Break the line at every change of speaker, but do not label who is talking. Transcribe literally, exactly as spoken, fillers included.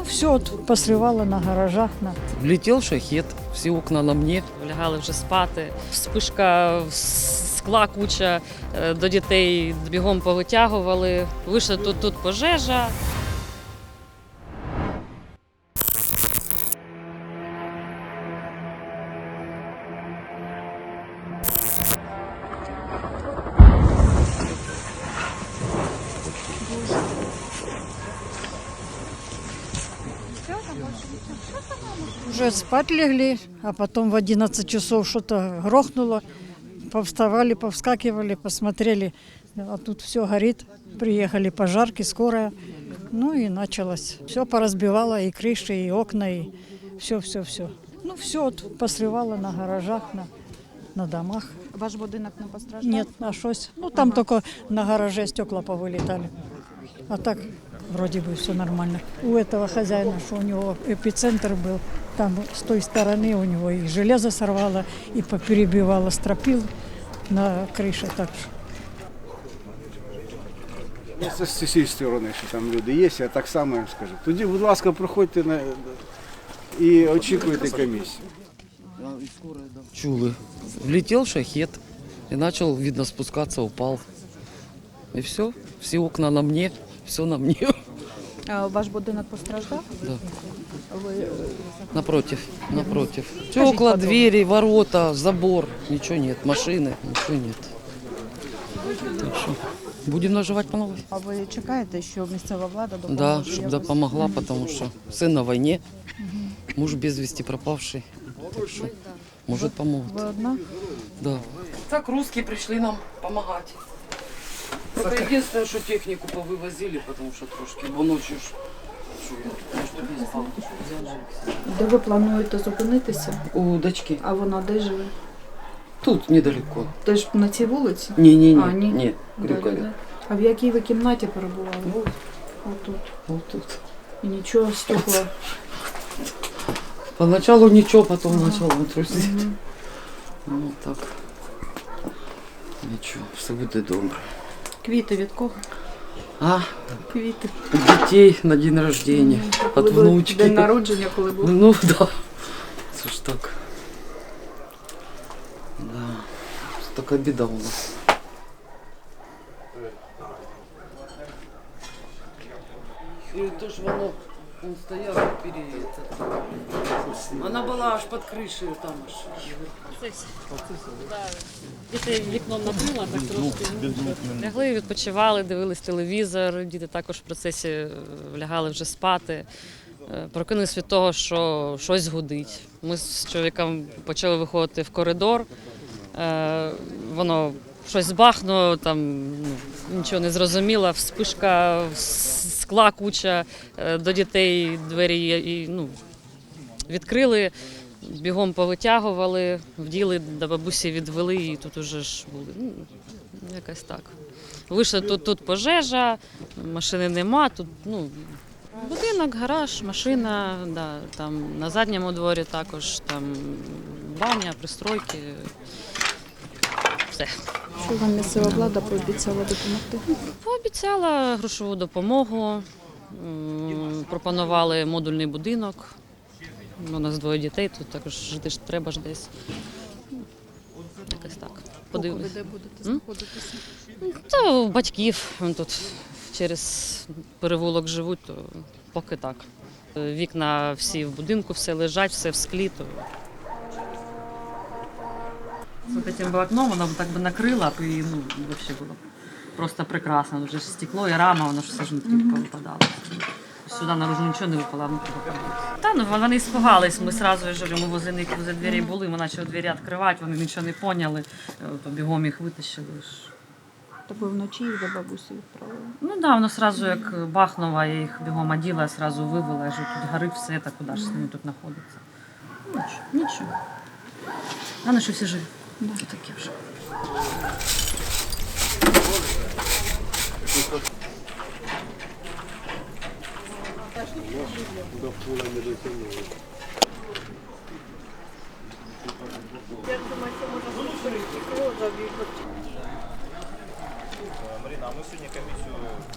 Ну, все от посривало на гаражах. На...
Влетел шахет, всі окна на мені.
Лягали вже спати. Вспишка, скла куча, е, до дітей бігом повитягували. Вийшла тут, тут пожежа.
Уже спать легли, а потом в одиннадцать часов что-то грохнуло. Повставали, повскакивали, посмотрели, а тут все горит. Приехали пожарки, скорая. Ну и началось. Все поразбивало, и крыши, и окна, и все-все-все. Ну все вот посрывало на гаражах, на, на домах.
Ваш будинок не постраждав?
Нет, а шось. Ну там
Ага.
только на гараже стекла повылетали. А так вроде бы все нормально. У этого хозяина, что у него эпицентр был, там с той стороны у него и железо сорвало, и поперебивало стропил на крыше. Так что.
Ну, це з цієї сторони, що там люди є, я так само їм скажу. Тоді, будь ласка, проходьте на... і очікуйте комісію.
Чули. Влетел шахет и начал, видно, спускаться, упал. И все, все окна на мне, все на мне.
А ваш будинок постраждав?
Да.
Ви
Напротив, напротив.
Скажіть
Стекла,
подробно.
двери, ворота, забор, ничего нет, машины, ничего нет. Так что будем наживать по новой.
а ви чекаєте, що місцева влада допоможе?
Да, чтобы
якось?
допомогла, потому что сын на войне, муж без вести пропавший. Так что, может, помогут.
Ви одна?
Да. Так русские пришли нам помогать. Только единственное, что технику повывозили, потому что трошки, бо ночью ж, що я, может, не спал.
Де ви плануєте зупинитися?
У дочки.
А вона де живе?
Тут недалеко.
Теж на цій вулиці?
Не-не-не,
А, ні.
не,
Да,
Крюкове.
да. А в якій ви кімнаті перебували?
Вот,
Отут.
вот тут.
І нічого, стекла.
Поначалу ничего, потом начал трусить.
Мгм.
Ну так. Ничего, все буде добре.
Квіти від кого?
А,
Квіти.
у детей на день рождения,
Коли
от
ви-
внучки.
День народження, коли був.
Ну да. Це ж так. Да. Це така біда у нас. І то ж воно, він стояв перед... Вона була аж під кришею там аж.
Діти вікном накрила, так трошки. Лягли, відпочивали, дивились телевізор. Діти також в процесі е, лягали вже спати. Е, Прокинулись від того, що щось гудить. Ми з чоловіком почали виходити в коридор. Е, Воно щось бахнуло, там ну, нічого не зрозуміло. Вспишка, с- скла куча, е, до дітей двері і, ну, відкрили. Бігом повитягували, вділи, до бабусі відвели і тут уже ж були. Ну, якось так. Вийшли тут, тут пожежа, машини нема, тут ну, будинок, гараж, машина, да, там на задньому дворі також там баня, пристройки. Все.
Що вам місцева влада пообіцяла допомогти?
Пообіцяла грошову допомогу, м, пропонували модульний будинок. У нас двоє дітей, тут також жити ж треба ж десь. Якось так.
Ви
Подивимось.
де будете
М?
знаходитися?
Та у батьків вон тут через перевулок живуть, то поки так. Вікна всі в будинку, все лежать, все в склі. То... З цим окном воно б так би накрило, і ну, взагалі було б просто прекрасно. Вже ж стекло і рама, воно ж все ж внутрі повипадало. Сюди наружу нічого не випало, а внутрі випадало. Та ну вони спугались, ми одразу, я ж говорю, ми возле них возле дверей були, ми почали двері відкривати, вони нічого не поняли, то бігом їх витащили.
Так ви вночі їх до бабусі відправили?
Ну так, да, воно одразу як бахнуло, я їх бігом оділа, одразу вивела, я ж тут горить все, так куди ж з ними тут знаходиться. Ну, нічого, нічого. Головне, що всі живі. Да. Таке вже.
Марина, а ми сьогодні комісію